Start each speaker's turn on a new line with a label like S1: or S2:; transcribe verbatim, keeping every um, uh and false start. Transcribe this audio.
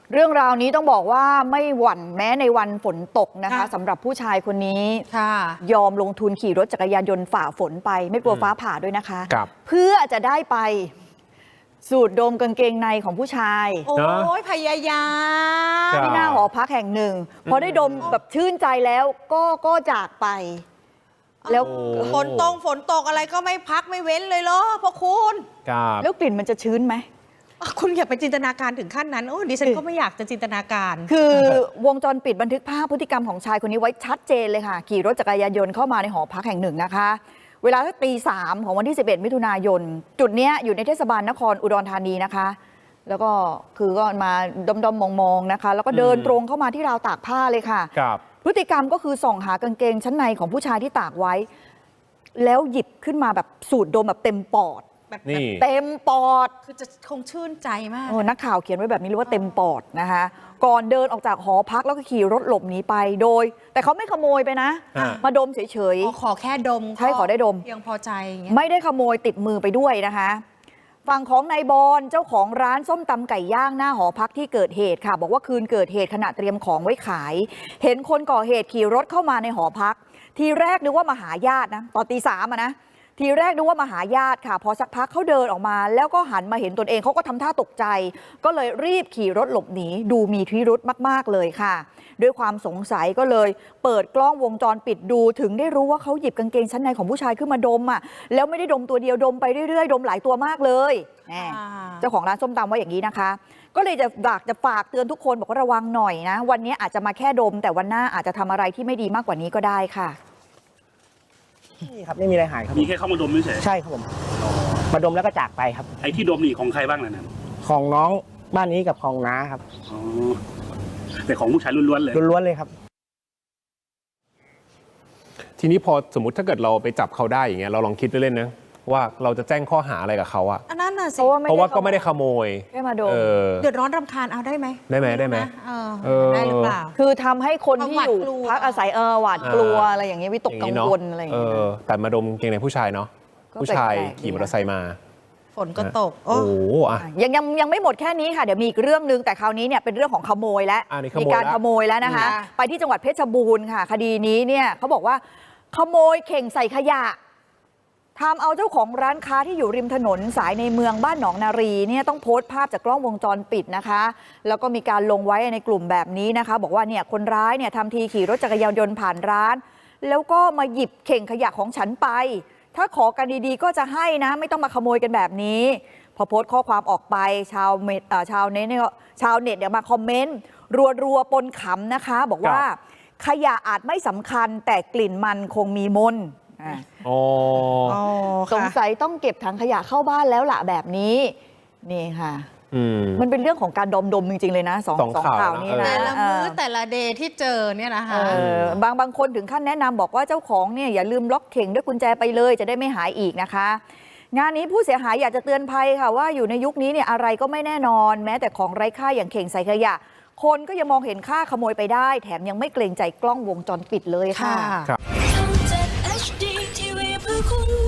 S1: เรื่องราวนี้ต้องบอกว่าไม่หวั่นแม้ในวันฝนตกนะคะสำหรับผู้ชายคนนี้ยอมลงทุนขี่รถจักรยานยนต์ฝ่าฝนไปไม่กลัวฟ้าผ่าด้วยนะคะเพื่อจะได้ไปสูดดมกางเกงในของผู้ชาย
S2: โอ้ยพยายาม
S1: ที่หน้าหอพักแห่งหนึ่งพอได้ดมแบบชื่นใจแล้วก็ก็จากไป
S2: แล้วฝนตกฝนตกอะไรก็ไม่พักไม่เว้นเลยเหรอพ่อคุณ
S1: แล้วกลิ่นมันจะชื้นไหม
S2: คุณอย่าไปจินตนาการถึงขั้นนั้นโอ้ดิฉันก็ไม่อยากจะจินตนาการ
S1: คือวงจรปิดบันทึกภาพพฤติกรรมของชายคนนี้ไว้ชัดเจนเลยค่ะขี่รถจักรยานยนต์เข้ามาในหอพักแห่งหนึ่งนะคะเวลาตีสามของวันที่สิบเอ็ดมิถุนายนจุดนี้อยู่ในเทศบาลนครอุดรธานีนะคะแล้วก็คือก็มาดมๆมองๆนะคะแล้วก็เดินตรงเข้ามาที่ราวตากผ้าเลยค่ะพฤติกรรมก็คือส่องหากางเกงชั้นในของผู้ชายที่ตากไว้แล้วหยิบขึ้นมาแบบสูดดมแบบเต็มปอด
S2: แบบ
S1: เต็มปอด
S2: คือจะคงชื่นใจมาก
S1: นักข่าวเขียนไว้แบบนี้เลยว่าเต็มปอดนะคะก่อนเดินออกจากหอพักแล้วก็ขี่รถหลบหนีไปโดยแต่เขาไม่ขโมยไปนะมาดมเฉย
S2: ๆขอแค่ดม
S1: ใช่ขอได้ดม
S2: เพียงพอใจ
S1: ไม่ได้ขโมยติดมือไปด้วยนะคะฝั่งของนายบอลเจ้าของร้านส้มตำไก่ย่างหน้าหอพักที่เกิดเหตุค่ะบอกว่าคืนเกิดเหตุขณะเตรียมของไว้ขายเห็นคนก่อเหตุขี่รถเข้ามาในหอพักทีแรกนึกว่ามาหาญาตินะตอนตีสามอะนะทีแรกนึกว่ามาหาญาติค่ะพอสักพักเขาเดินออกมาแล้วก็หันมาเห็นตนเองเขาก็ทำท่าตกใจก็เลยรีบขี่รถหลบหนีดูมีพิรุธมากๆเลยค่ะด้วยความสงสัยก็เลยเปิดกล้องวงจรปิดดูถึงได้รู้ว่าเขาหยิบกางเกงชั้นในของผู้ชายขึ้นมาดมอ่ะแล้วไม่ได้ดมตัวเดียวดมไปเรื่อยๆดมหลายตัวมากเลยเจ้าของร้านส้มตำว่าอย่างนี้นะคะก็เลยจะอยากจะฝากเตือนทุกคนบอกว่าระวังหน่อยนะวันนี้อาจจะมาแค่ดมแต่วันหน้าอาจจะทำอะไรที่ไม่ดีมากกว่านี้ก็ได้ค่ะ
S3: นี่ครับไม่มีอะไรหายครับ
S4: มีแค่เข้ามาดมไม่ใช่
S3: ใช่ครับผมมาดมแล้วก็จากไปครับ
S4: ไอ้ที่ดมนี่ของใครบ้างนะนั่น
S3: ของน้องบ้านนี้กับของน้าครับ
S4: อ๋อแต่ของผู้ชายล้วนๆเลย
S3: ล้วนๆเลยครับ
S5: ทีนี้พอสมมติถ้าเกิดเราไปจับเขาได้อย่างเงี้ยเราลองคิดเล่นๆนะว่าเราจะแจ้งข้อหาอะไรกับเขาอะ
S2: อันนั้นน่ะสิ
S5: เพราะว่าก็ไม่ได้ขโมย
S1: แค่มาดม
S2: เดือดร้อนรำคาญเอาได้ไหม
S5: ได้ไหมได้ไหม
S2: ได้หรือเปล่า
S1: คือทำให้คนที่อยู่พักอาศัยเออหวาดกลัวอะไรอย่างเงี้ยวิตกกังวลอะไรอย่างเงี้ย
S5: แต่มาดมเกงในผู้ชายเนาะผู้ชายขี่มอเตอร์ไซค์มา
S2: ฝนก็ตก
S5: โอ้โห
S1: ยังยังยังไม่หมดแค่นี้ค่ะเดี๋ยวมีอีกเรื่องนึงแต่คราวนี้เนี่ยเป็นเรื่องของขโมยแล้วมีการขโมยแล้วนะคะไปที่จังหวัดเพชรบูรณ์ค่ะคดีนี้เนี่ยเขาบอกว่าขโมยเข่งใส่ขยะทำเอาเจ้าของร้านค้าที่อยู่ริมถนนสายในเมืองบ้านหนองนารีเนี่ยต้องโพสต์ภาพจากกล้องวงจรปิดนะคะแล้วก็มีการลงไว้ในกลุ่มแบบนี้นะคะบอกว่าเนี่ยคนร้ายเนี่ยทำทีขี่รถจักรยานยนต์ผ่านร้านแล้วก็มาหยิบเข่งขยะของฉันไปถ้าขอกันดีๆก็จะให้นะไม่ต้องมาขโมยกันแบบนี้พอโพสต์ข้อความออกไปชาวเน็ตชาวเน็ตเนี่ยชาวเน็ตเนี่ยมาคอมเมนต์รัวๆปนขำนะคะบอกว่าขยะอาจไม่สำคัญแต่กลิ่นมันคงมีมนสงสัยต้องเก็บถังขยะเข้าบ้านแล้วล่ะแบบนี้นี่ค่ะมันเป็นเรื่องของการดมดมจริงๆเลยนะสองสองข่าวนี้นะ
S2: แต่ละมื้อแต่ละเดย์ที่เจอเนี่ยนะคะ
S1: บางบางคนถึงขั้นแนะนำบอกว่าเจ้าของเนี่ยอย่าลืมล็อกเข่งด้วยกุญแจไปเลยจะได้ไม่หายอีกนะคะงานนี้ผู้เสียหายอยากจะเตือนภัยค่ะว่าอยู่ในยุคนี้เนี่ยอะไรก็ไม่แน่นอนแม้แต่ของไร้ค่าอย่างเข่งใส่ขยะคนก็ยังมองเห็นค่าขโมยไปได้แถมยังไม่เกรงใจกล้องวงจรปิดเลยค่ะ